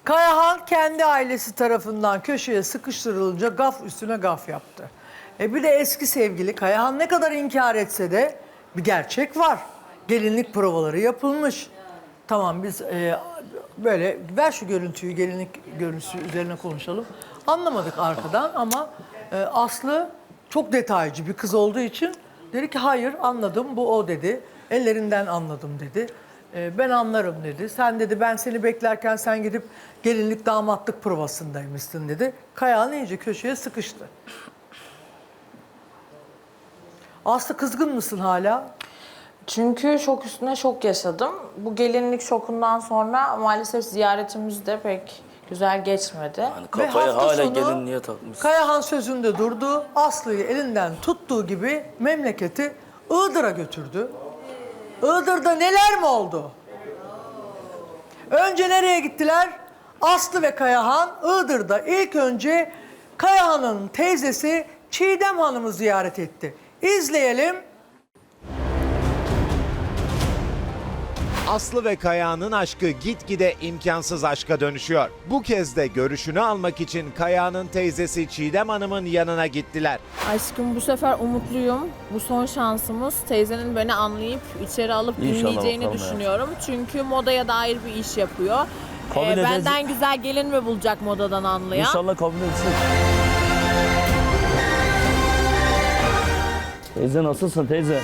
Kayahan kendi ailesi tarafından köşeye sıkıştırılınca gaf üstüne gaf yaptı. Bir de eski sevgili Kayahan ne kadar inkar etse de bir gerçek var. Gelinlik provaları yapılmış. Tamam biz böyle ver şu görüntüyü, gelinlik görüntüsü üzerine konuşalım. Anlamadık arkadan ama Aslı çok detaycı bir kız olduğu için dedi ki hayır anladım bu o dedi. Ellerinden anladım dedi. Ben anlarım dedi. Sen dedi ben seni beklerken sen gidip gelinlik damatlık provasındaymışsın dedi. Kayahan iyice köşeye sıkıştı. Aslı kızgın mısın hala? Çünkü şok üstüne şok yaşadım. Bu gelinlik şokundan sonra maalesef ziyaretimiz de pek güzel geçmedi. Yani kafayı hafta hala sonu gelinliğe takmış. Kayahan sözünde durdu. Aslı'yı elinden tuttuğu gibi memleketi Iğdır'a götürdü. Iğdır'da neler mi oldu? Önce nereye gittiler? Aslı ve Kayahan Iğdır'da ilk önce Kayahan'ın teyzesi Çiğdem Hanım'ı ziyaret etti. İzleyelim. Aslı ve Kayağan'ın aşkı gitgide imkansız aşka dönüşüyor. Bu kez de görüşünü almak için Kayağan'ın teyzesi Çiğdem Hanım'ın yanına gittiler. Aşkım bu sefer umutluyum. Bu son şansımız. Teyzenin beni anlayıp içeri alıp İnşallah dinleyeceğini bakalım ya. düşünüyorum. Çünkü modaya dair bir iş yapıyor. Kabul edeceğiz. Benden güzel gelin mi bulacak modadan anlayan? İnşallah kabul etsin. Teyze nasılsın teyze?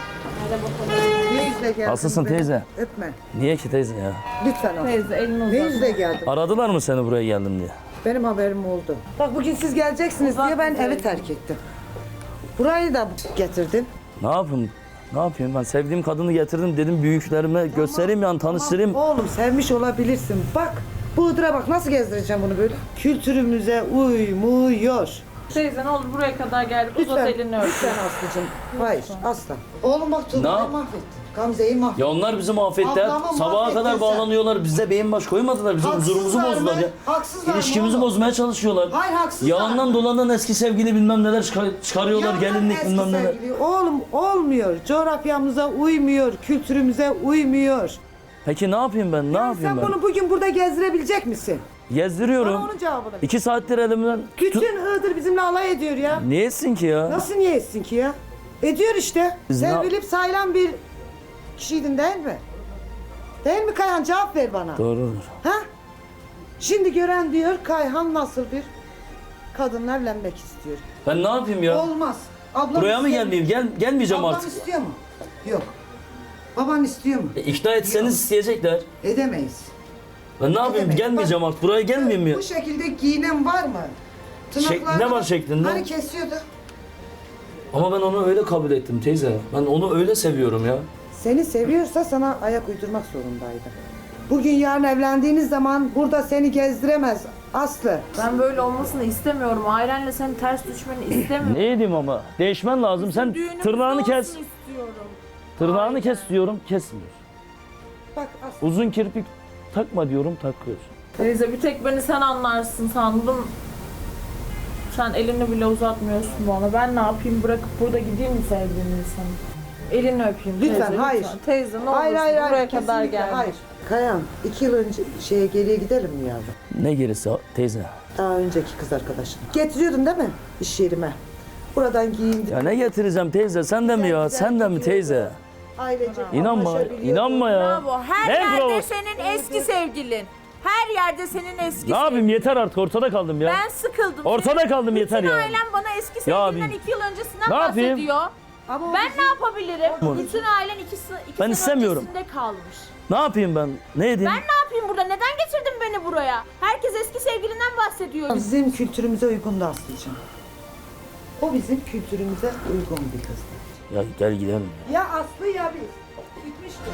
Ne yüzle geldin? Nasılsın beni? teyze? Öpme. Niye ki teyze ya? Lütfen al. Teyze elini uzat. Ne yüzle geldin? Aradılar mı seni buraya geldim diye? Benim haberim oldu. Bak bugün siz geleceksiniz diye ben evi terk ettim. Burayı da getirdin. Ne yapayım? Ne yapayım ben sevdiğim kadını getirdim dedim büyüklerime göstereyim yani tanıştırayım. Oğlum sevmiş olabilirsin. Bak bu Iğdır'a bak nasıl gezdireceğim bunu böyle. Kültürümüze uymuyor. Teyze ne olur buraya kadar geldik. Uzat Lütfen, elini öp. lütfen Aslı'cığım. Hayır asla. Oğlum bak Ne Tuğba'yı yap- mahvettin. Gamze'yi mahvettin. Ya onlar bizi mahvetti. Ablamı Sabaha mahvettin kadar sen. bağlanıyorlar. Bize beyin baş koymadılar. Bizim Haksızlar huzurumuzu mı? bozdular ya. Haksızlar mı İlişkimizi oğlum? bozmaya çalışıyorlar. Hayır, haksızlar. Yalandan dolandan eski sevgili bilmem neler çıkarıyorlar. Yandan Gelinlik eski bilmem neler. sevgili. Oğlum olmuyor. Coğrafyamıza uymuyor. Kültürümüze uymuyor. Peki ne yapayım ben? Ne yapayım Sen ben? bunu bugün burada gezdirebilecek misin? Gezdiriyorum. Bana onun cevabını ver. 2 saattir elimden Bütün Iğdır bizimle alay ediyor ya. Niye etsin ki ya? Nasıl niye etsin ki ya? Ediyor işte. Biz ne- Sevilip sayılan bir kişiydin değil mi? Değil mi Kayhan? Cevap ver bana. Doğrudur. Ha? Şimdi gören diyor Kayhan nasıl bir kadınla evlenmek istiyor. Ben ne yapayım ya? Olmaz. Ablam Buraya mı istiyor gelmeyeyim? Gelmeyeceğim Ablam artık. istiyor mu? Yok. Baban istiyor mu? İkna etseniz isteyecekler. Edemeyiz. Ben ne yapayım? Edemeyiz. Gelmeyeceğim Bak, artık. Buraya gelmeyeyim mi? Bu şekilde giyinen var mı? Ne var şeklinde? Hani kesiyordu? Ama ben onu öyle kabul ettim teyze. Ben onu öyle seviyorum ya. Seni seviyorsa sana ayak uydurmak zorundaydı. Bugün yarın evlendiğiniz zaman burada seni gezdiremez Aslı. Ben böyle olmasını istemiyorum. Ailenle senin ters düşmeni istemiyorum. Ne edeyim ama? Değişmen lazım. Sen Düğünümüz tırnağını olsun kes. istiyorum. Tırnağını kes diyorum. Kesmiyor. Bak Aslı. Uzun kirpik takma diyorum. Takıyorsun. Teyze bir tek beni sen anlarsın sandım. Sen elini bile uzatmıyorsun bana. Ben ne yapayım bırakıp burada gideyim mi sevdiğim insanı? Elini öpeyim Lütfen, teyze. hayır. Lütfen. Teyze ne Hayır, olursun hayır, hayır. buraya kadar kesinlikle gel. Hayır. Kayan, 2 yıl önce geriye gidelim mi yavrum? Ne gerisi teyze? Daha önceki kız arkadaşın. Getiriyordun değil mi iş yerime? Buradan giyindik. Ya ne getireceğim teyze? Sen de mi ya? Güzel Sen de mi teyze? Ailecek İnanma. anlaşabiliyorduk. İnanma ya. Bravo. Her Ne yerde provası? senin eski sevgilin. Her yerde senin eski Ne yapayım sevgilin. yeter artık ortada kaldım ya. Ben sıkıldım. Ortada Senin kaldım, yeter bütün ya. ailem bana eski Ya sevgilinden abi, 2 yıl öncesinden ne yapayım? bahsediyor. Ama o Ben bizim- ne yapabilirim? Bütün ailen 2 sene istemiyorum. öncesinde kalmış. Ne yapayım ben? Ne edeyim? Ben ne yapayım burada? Neden getirdin beni buraya? Herkes eski sevgilinden bahsediyor. Bizim kültürümüze uygun da Aslı'cığım. O bizim kültürümüze uygun bir kızdı. Ya gel gidelim. Ya Aslı ya biz. Bitmişti.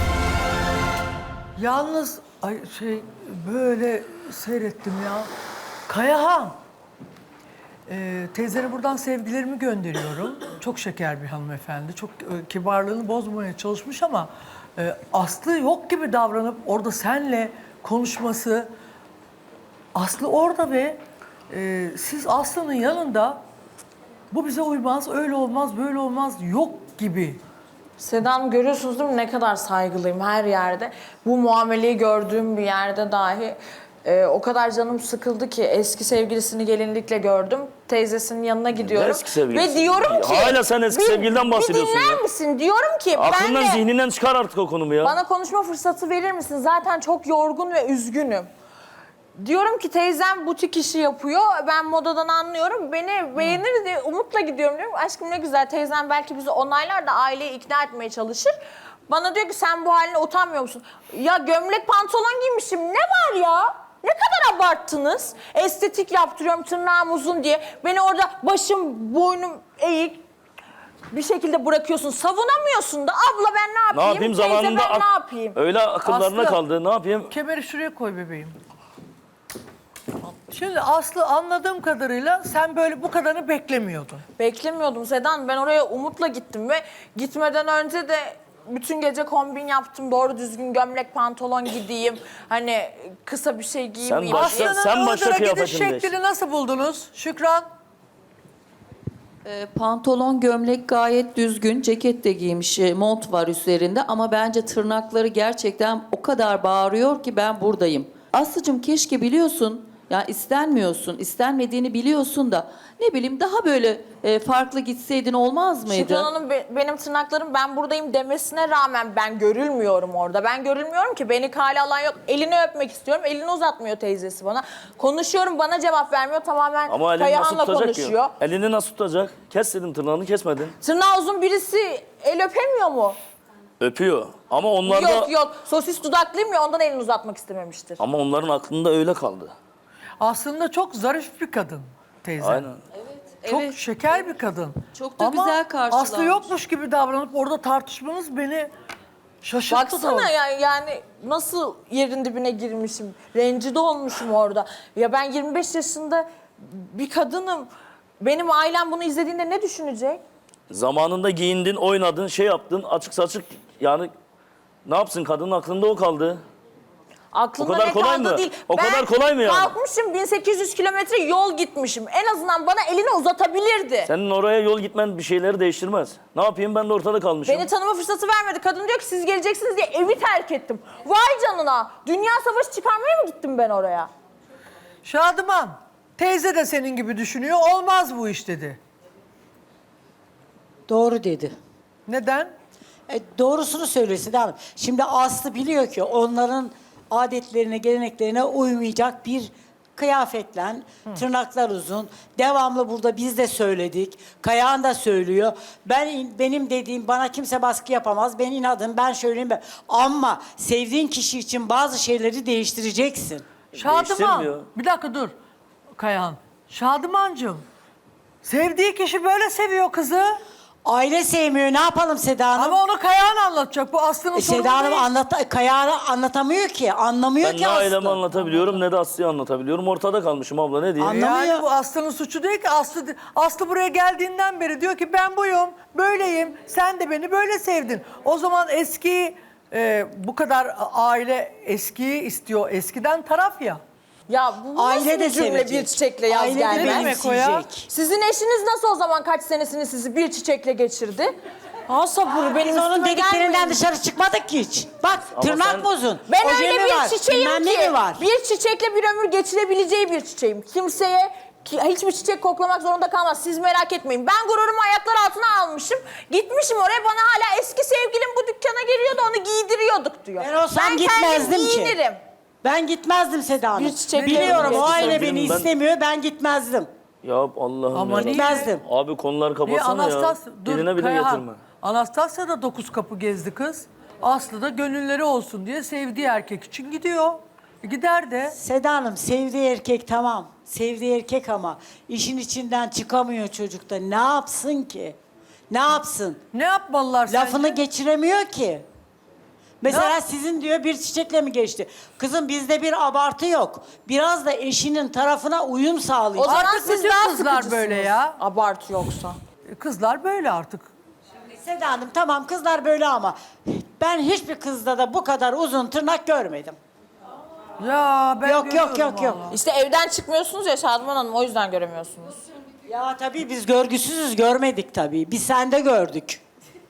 Yalnız böyle seyrettim ya. Kayahan. Teyzene buradan sevgilerimi gönderiyorum. Çok şeker bir hanımefendi. Çok kibarlığını bozmamaya çalışmış ama Aslı yok gibi davranıp orada senle konuşması. Aslı orada ve siz Aslı'nın yanında bu bize uymaz, öyle olmaz, böyle olmaz yok gibi. Seda Hanım görüyorsunuz değil mi ne kadar saygılıyım her yerde. Bu muameleyi gördüğüm bir yerde dahi O kadar canım sıkıldı ki eski sevgilisini gelinlikle gördüm. Teyzesinin yanına gidiyorum. eski sevgilisi? Ve diyorum ki... Hala sen eski sevgiliden bahsediyorsun Bir dinler ya. misin? Diyorum ki Aklından ben de... zihninden çıkar artık o konumu ya. Bana konuşma fırsatı verir misin? Zaten çok yorgun ve üzgünüm. Diyorum ki teyzem butik işi yapıyor. Ben modadan anlıyorum. Beni beğenir diye umutla gidiyorum diyorum. Aşkım ne güzel teyzem belki bizi onaylar da aileyi ikna etmeye çalışır. Bana diyor ki sen bu haline utanmıyor musun? Ya gömlek pantolon giymişim. Ne var ya? Ne kadar abarttınız? Estetik yaptırıyorum tırnağım uzun diye. Beni orada başım boynum eğik bir şekilde bırakıyorsun. Savunamıyorsun da abla ben ne yapayım? Ne yapayım Teyze zamanında ben ne yapayım? öyle akıllarına Aslı. kaldı. Ne yapayım? Kemeri şuraya koy bebeğim. Şimdi Aslı anladığım kadarıyla sen böyle bu kadarını beklemiyordun. Beklemiyordum Sedan. Ben oraya umutla gittim ve gitmeden önce de bütün gece kombin yaptım. Doğru düzgün gömlek pantolon gideyim. Hani kısa bir şey giymeyeyim. başla- diye. Aslı'nın sen başla Iğdır'a gidiş kıyafetini değiş. şeklini nasıl buldunuz Şükran? Pantolon, gömlek gayet düzgün. Ceket de giymiş, mont var üzerinde ama bence tırnakları gerçekten o kadar bağırıyor ki ben buradayım. Aslıcığım keşke biliyorsun, ya istenmiyorsun, istenmediğini biliyorsun da ne bileyim daha böyle farklı gitseydin olmaz mıydı? Şükran Hanım benim tırnaklarım ben buradayım demesine rağmen ben görülmüyorum orada. Ben görülmüyorum ki beni kale alan yok. Elini öpmek istiyorum. Elini uzatmıyor teyzesi bana. Konuşuyorum bana cevap vermiyor. Tamamen Ama elini nasıl Kayahan'la tutacak konuşuyor. ki? Elini nasıl tutacak? Kes dedim tırnağını kesmedin. Tırnağı uzun birisi el öpemiyor mu? Öpüyor. Ama onlar da... Yok sosis dudaklıyım ya ondan elini uzatmak istememiştir. Ama onların aklında öyle kaldı. Aslında çok zarif bir kadın teyze. Aynen. Çok Evet. şeker bir kadın. Çok da Ama güzel karşılanmış. Aslı yokmuş gibi davranıp orada tartışmanız beni şaşırttı. Baksana yani nasıl yerin dibine girmişim. Rencide olmuşum orada. Ya ben 25 yaşında bir kadınım. Benim ailem bunu izlediğinde ne düşünecek? Zamanında giyindin, oynadın, şey yaptın, açık saçık yani ne yapsın kadının aklında o kaldı. Aklımda O kadar ne kolay kaldı mı? değil. O kadar kolay mı yani? Kalkmışım 1800 kilometre yol gitmişim. En azından bana elini uzatabilirdi. Senin oraya yol gitmen bir şeyleri değiştirmez. Ne yapayım ben de ortada kalmışım. Beni tanıma fırsatı vermedi. Kadın diyor ki siz geleceksiniz diye evi terk ettim. Vay canına. Dünya savaşı çıkarmaya mı gittim ben oraya? Şadıman, teyze de senin gibi düşünüyor. Olmaz bu iş dedi. Doğru dedi. Neden? Doğrusunu söylüyor Seda Hanım. Şimdi Aslı biliyor ki onların adetlerine, geleneklerine uymayacak bir kıyafetle, tırnaklar uzun. Devamlı burada biz de söyledik. Kayahan da söylüyor. Benim dediğim bana kimse baskı yapamaz. Ben inadım, ben söyleyeyim. Ama sevdiğin kişi için bazı şeyleri değiştireceksin. Şadıman, Değiştirmiyor. bir dakika dur Kayahan. Şadımancığım, sevdiği kişi böyle seviyor kızı. Aile sevmiyor. Ne yapalım Seda Hanım? Ama onu Kayahan anlatacak. Bu Aslı'nın sorunu Seda Hanım değil. Kayahan'ı anlatamıyor ki. Anlamıyor Ben ki ne Aslı. ailemi anlatabiliyorum ne de Aslı'yı anlatabiliyorum. Ortada kalmışım abla ne diyeyim? Anlamıyor. Yani bu Aslı'nın suçu değil ki. Aslı buraya geldiğinden beri diyor ki ben buyum, böyleyim. Sen de beni böyle sevdin. O zaman bu kadar aile eskiyi istiyor. Eskiden taraf ya. Ya bu nasıl Aile de bir cümle sevecek. bir çiçekle yaz Aile de gelmez? demek o ya? benimseyecek. Sizin eşiniz nasıl o zaman kaç senesini sizi bir çiçekle geçirdi? Ha sabır benim Biz onun üstüme dediklerinden gelmeyin. dışarı çıkmadık ki hiç. Bak tırnak sen- bozun. Ben ojemi öyle bir var, çiçeğim bilmem ki ne mi var? bir çiçekle bir ömür geçirebileceği bir çiçeğim. Kimseye hiçbir çiçek koklamak zorunda kalmaz. Siz merak etmeyin. Ben gururumu ayaklar altına almışım. Gitmişim oraya bana hala eski sevgilim bu dükkana geliyordu onu giydiriyorduk diyor. Ben olsam kendim gitmezdim ki. giyinirim. Ben gitmezdim Seda Hanım. Bir çiçekle Biliyorum o eski aile sevgilim beni ben- istemiyor, ben gitmezdim. Ya Allah'ım Ama ya. niye? Gitmezdim. Abi konuları Niye kapatsana ya. Diline bile Kayahan. getirme. Anastasya da 9 kapı gezdi kız. Aslı da gönülleri olsun diye sevdiği erkek için gidiyor. Gider de. Seda Hanım sevdiği erkek tamam. Sevdiği erkek ama işin içinden çıkamıyor çocukta. Ne yapsın ki? Ne yapsın? Ne yapmalılar Lafını sence? geçiremiyor ki. Mesela Ne? sizin diyor bir çiçekle mi geçti? Kızım bizde bir abartı yok. Biraz da eşinin tarafına uyum O sağlayacak. zaman Artık siz bütün daha kızlar sıkıcısınız. böyle ya. Abartı yoksa. Kızlar böyle artık. Seda Hanım tamam kızlar böyle ama ben hiçbir kızda da bu kadar uzun tırnak görmedim. Ya ben Yok, yok, görüyorum yok, yok. vallahi. İşte evden çıkmıyorsunuz ya Şadman Hanım o yüzden göremiyorsunuz. Ya tabii biz görgüsüzüz görmedik tabii. Biz sende gördük.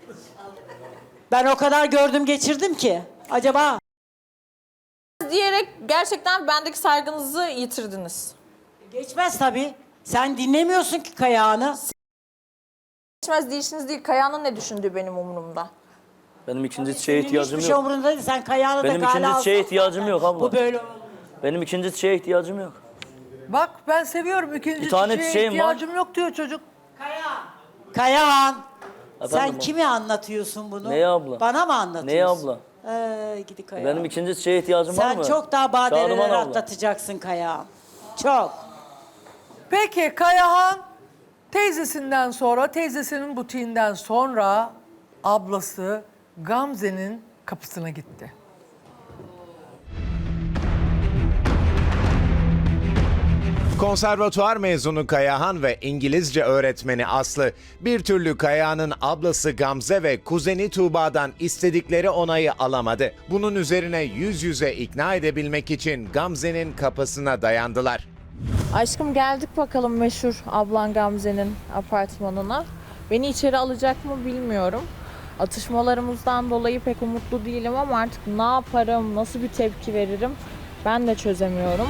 Ben o kadar gördüm geçirdim ki. Acaba Diyerek gerçekten bendeki saygınızı yitirdiniz. Geçmez tabii. Sen dinlemiyorsun ki Kayahan'ı. Geçmez değişiniz değil. Kaya'nın ne düşündüğü benim umurumda. Benim ikinci şeye ihtiyacım Hiçbir şey yok. umurunda değil. Sen Kayahan'ı da Benim kale ikinci şeye alsan ihtiyacım zaten yok abla. Bu böyle olur. Benim ikinci şeye ihtiyacım yok. Bak ben seviyorum. İkinci Bir tane çiçeğe çiçeğim var. ihtiyacım yok diyor çocuk. Kayahan. Sen Efendim, kime anlatıyorsun bunu? Neye abla? Bana mı anlatıyorsun? Neye abla? Gidi Kayahan. Benim ikinci şeye ihtiyacım var Sen mı? çok daha Şadıman badireler abla. atlatacaksın Kayahan. Çok. Peki Kayahan teyzesinden sonra, teyzesinin butiğinden sonra ablası Gamze'nin kapısına gitti. Konservatuvar mezunu Kayahan ve İngilizce öğretmeni Aslı bir türlü Kayahan'ın ablası Gamze ve kuzeni Tuğba'dan istedikleri onayı alamadı. Bunun üzerine yüz yüze ikna edebilmek için Gamze'nin kapısına dayandılar. Aşkım geldik bakalım meşhur ablan Gamze'nin apartmanına. Beni içeri alacak mı bilmiyorum. Atışmalarımızdan dolayı pek umutlu değilim ama artık ne yaparım, nasıl bir tepki veririm ben de çözemiyorum.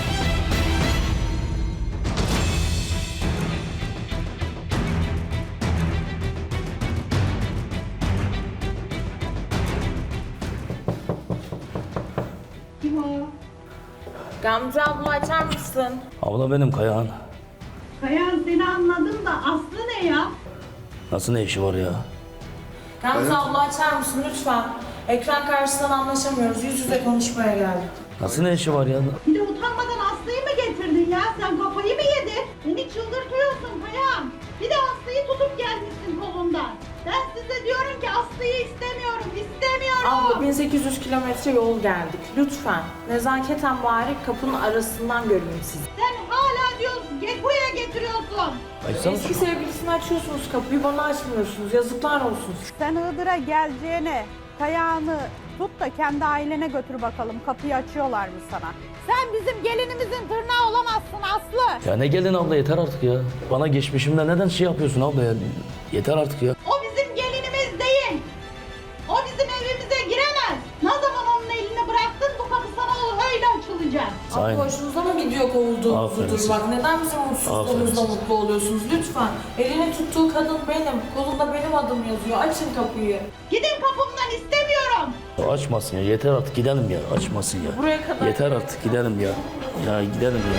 Gamze abla açar mısın? Abla benim Kayahan. Kayan seni anladım da Aslı ne ya? Nasıl ne işi var ya? Gamze abla açar mısın lütfen? Ekran karşısından anlaşamıyoruz. Yüz yüze konuşmaya geldik. Nasıl ne işi var ya? Bir de utanmadan Aslı'yı mı getirdin ya? Sen kafayı mı yedin? Beni çıldırtıyorsun Kayan. Bir de Aslı'yı tutup gelmişsin kolundan. Ben size diyorum ki Aslı'yı istemiyorum, istemiyorum. Abla 1800 kilometre yol geldik. Lütfen. Nezaketen bari kapının arasından göreyim sizi. Sen hala diyorsun, buraya getiriyorsun. Açsana Eski şu. sevgilisine açıyorsunuz kapıyı, bana açmıyorsunuz. Yazıklar olsun. Sen Iğdır'a geleceğine Kayağını tut da kendi ailene götür bakalım. Kapıyı açıyorlar mı sana? Sen bizim gelinimizin tırnağı olamazsın Aslı. Ya ne gelin abla yeter artık ya. Bana geçmişimde neden şey yapıyorsun abla ya? Yeter artık ya. O bizim gelinimiz değil. O bizim evimize giremez. Ne zaman onun eline bıraktın bu kapı sana öyle açılacak. Aynen. Abla hoşunuza mı gidiyor kovulduğumuzu Aferin. durmak? Neden bizim mutsuzluğumuzda Aferin. mutlu oluyorsunuz? Lütfen. Elini tuttuğu kadın benim. Kolunda benim adım yazıyor. Açın kapıyı. Gidin kapımdan istemiyorum. Açmasın ya yeter artık gidelim ya. Açmasın ya. Buraya kadar Yeter artık gidelim ya. Ya gidelim ya.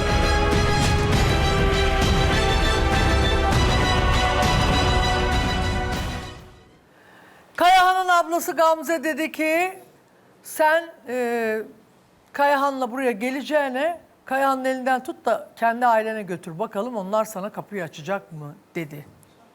Kayahan'ın ablası Gamze dedi ki sen Kayahan'la buraya geleceğine Kayahan'ın elinden tut da kendi ailene götür bakalım onlar sana kapıyı açacak mı dedi.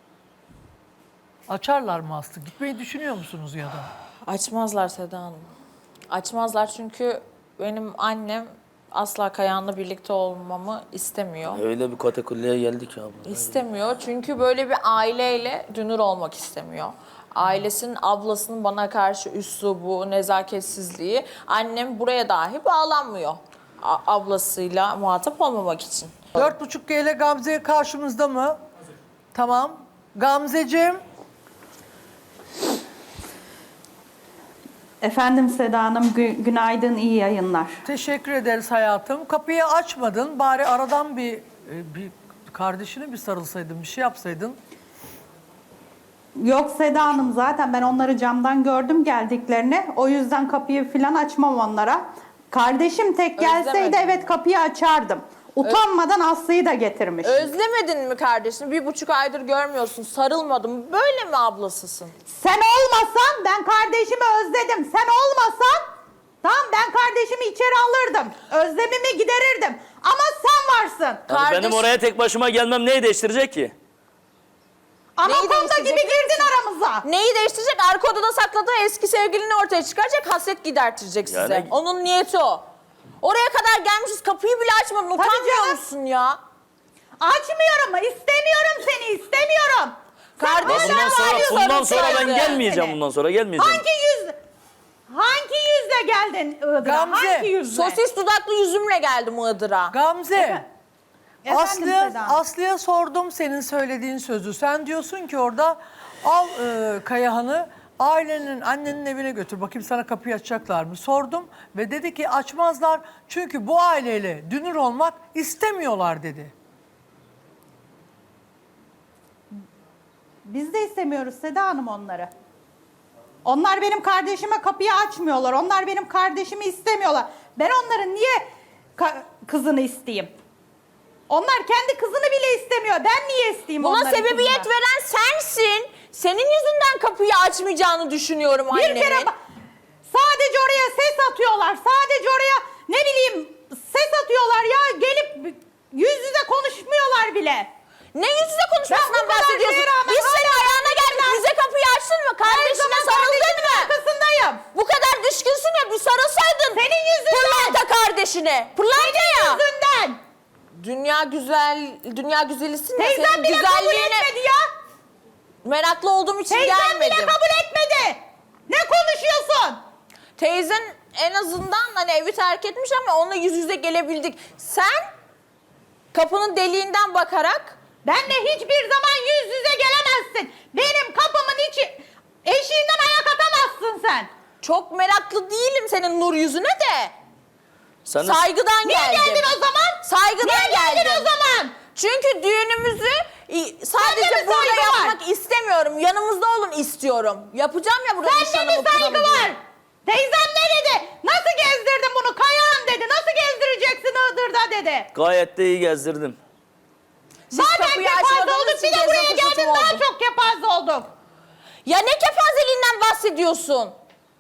Açarlar mı Aslı? Gitmeyi düşünüyor musunuz ya da? Açmazlar Seda Hanım. Açmazlar çünkü benim annem asla Kayahan'la birlikte olmamı istemiyor. Öyle bir katakulliye geldik ya abla. İstemiyor çünkü böyle bir aileyle dünür olmak istemiyor. Ailesinin, ablasının bana karşı üslubu, nezaketsizliği, annem buraya dahi bağlanmıyor. Ablasıyla muhatap olmamak için. 4.5G ile Gamze karşımızda mı? Tamam. Gamzeciğim. Efendim Seda Hanım, günaydın, iyi yayınlar. Teşekkür ederiz hayatım. Kapıyı açmadın. Bari aradan bir kardeşine bir sarılsaydın, bir şey yapsaydın. Yok Seda Hanım, zaten ben onları camdan gördüm geldiklerini. O yüzden kapıyı falan açmam onlara. Kardeşim tek gelseydi Özlemedim. evet kapıyı açardım. Utanmadan Aslı'yı da getirmiş. Özlemedin mi kardeşini? 1,5 aydır görmüyorsun, sarılmadım. Böyle mi ablasısın? Sen olmasan ben kardeşimi özledim. Sen olmasan tamam ben kardeşimi içeri alırdım. Özlemimi giderirdim. Ama sen varsın. Yani benim oraya tek başıma gelmem neyi değiştirecek ki? Anakonda değiştirecek gibi girdin aramıza. Neyi değiştirecek? Arka odada sakladığı eski sevgilini ortaya çıkaracak, hasret gidertirecek size. Yani- Onun niyeti o. Oraya kadar gelmişiz, kapıyı bile açmadın. Utanmıyor canım. musun ya? Açmıyorum mu? İstemiyorum seni, istemiyorum. Kardeşine Bundan sonra ben sarılsaydın. gelmeyeceğim bundan sonra gelmeyeceğim. Hangi yüzle geldin Iğdır'a? Gamze, Hangi yüzle? Sosis dudaklı yüzümle geldim Iğdır'a. Gamze. Efendim Seda Hanım? Aslı'ya sordum senin söylediğin sözü. Sen diyorsun ki orada al Kayahan'ı ailenin, annenin evine götür. Bakayım sana kapıyı açacaklar mı? Sordum ve dedi ki açmazlar. Çünkü bu aileyle dünür olmak istemiyorlar dedi. Biz de istemiyoruz Seda Hanım onları. Onlar benim kardeşime kapıyı açmıyorlar. Onlar benim kardeşimi istemiyorlar. Ben onların niye kızını isteyeyim? Onlar kendi kızını bile istemiyor. Ben niye isteyeyim Buna onların sebebiyet kızını? veren sensin. Senin yüzünden kapıyı açmayacağını düşünüyorum Bir annemin. kere sadece oraya ses atıyorlar. Sadece oraya ne bileyim ses atıyorlar ya. Gelip yüz yüze konuşmuyorlar bile. Ne yüz yüze konuşmasından Ben bu kadar bahsediyorsun? şeye rağmen Biz senin hala ayağına geldik. ben- Bize kapıyı açtın mı? Her Kardeşine zaman sarıldın kardeşimin mı? arkasındayım. Bu kadar düşkünsün ya bir sarılsaydın. Senin yüzünden. Pırlanta kardeşine. Pırlanta ya. Yüzünden. Dünya güzelisin ya. Teyzem Senin bile kabul güzelliğine etmedi ya. meraklı olduğum için Teyzem gelmedim. bile kabul etmedi. Ne konuşuyorsun? Teyzen en azından hani evi terk etmiş ama onunla yüz yüze gelebildik. Sen kapının deliğinden bakarak Benle hiçbir zaman yüz yüze gelemezsin. Benim kapımın içi eşiğinden ayak atamazsın sen. çok meraklı değilim senin nur yüzüne de. Sen de- Saygıdan Niye geldim. geldin o zaman? Saygıdan Niye geldin geldim. o zaman? Çünkü düğünümüzü Sende sadece mi burada saygı var? yapmak istemiyorum. Yanımızda olun istiyorum. Yapacağım ya burada Sende nişanımı, mi saygı kınamı. var? Teyzem ne dedi? Nasıl gezdirdin bunu? Kayağın dedi. Nasıl gezdireceksin Iğdır'da dedi. Gayet de iyi gezdirdim. Siz Zaten kapıyı kepaze açmadığınız olduk. için Bir de buraya gezme geldin fırsatım daha oldu. çok kepaze olduk. Ya ne kepazeliğinden bahsediyorsun?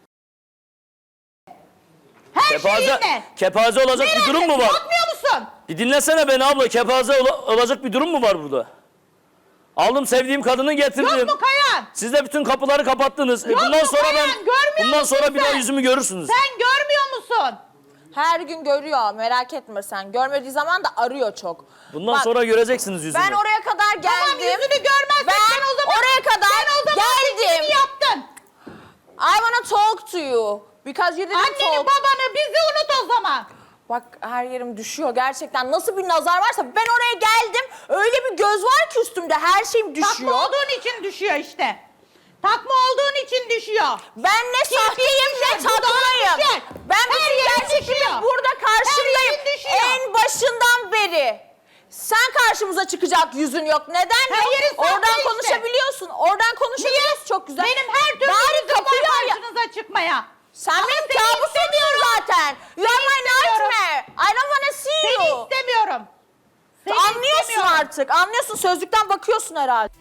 Her şeyinle. Kepaze olacak bir durum mu var? Korkmuyor musun? Bir dinlesene beni abla. Kepaze olacak bir durum mu var burada? Aldım sevdiğim kadını getirdim. Yok mu Kayan? Siz de bütün kapıları kapattınız. Yok bundan mu sonra Kayan? Görmüyor bundan musun sonra bir daha sen? yüzümü görürsünüz. Sen görmüyor musun? Her gün görüyor, merak etme sen. Görmediği zaman da arıyor çok. Bundan Bak, sonra göreceksiniz yüzümü. ben oraya kadar geldim. Tamam yüzünü görmezsen Ben sen o zaman, oraya kadar sen o zaman geldim. seçimini yaptın. I wanna talk to you. Because you didn't Anneni talk. babanı bizi unut o zaman. Bak her yerim düşüyor gerçekten. Nasıl bir nazar varsa ben oraya geldim. Öyle bir göz var ki üstümde her şeyim düşüyor. Takma olduğun için düşüyor işte. Takma olduğun için düşüyor. Ben ne sahteyim ne düşer, dudağın takmayım. düşer. Ben Her bütün yerin gerçekliği düşüyor. burada karşındayım. Her yerin düşüyor. En başından beri. Sen karşımıza çıkacak yüzün yok. Neden Her yok? yerin sahte Oradan işte. konuşabiliyorsun. Oradan konuşabiliyorsun. Çok güzel. Benim her türlü Bari yüzüm kapıyı var ya. karşınıza çıkmaya. Sen Ama benim seni kabusumsun istemiyorum. zaten. You are my istemiyorum. nightmare. I don't wanna see Seni you. istemiyorum. Seni Anlıyorsun istemiyorum. artık. Anlıyorsun. Sözlükten bakıyorsun herhalde.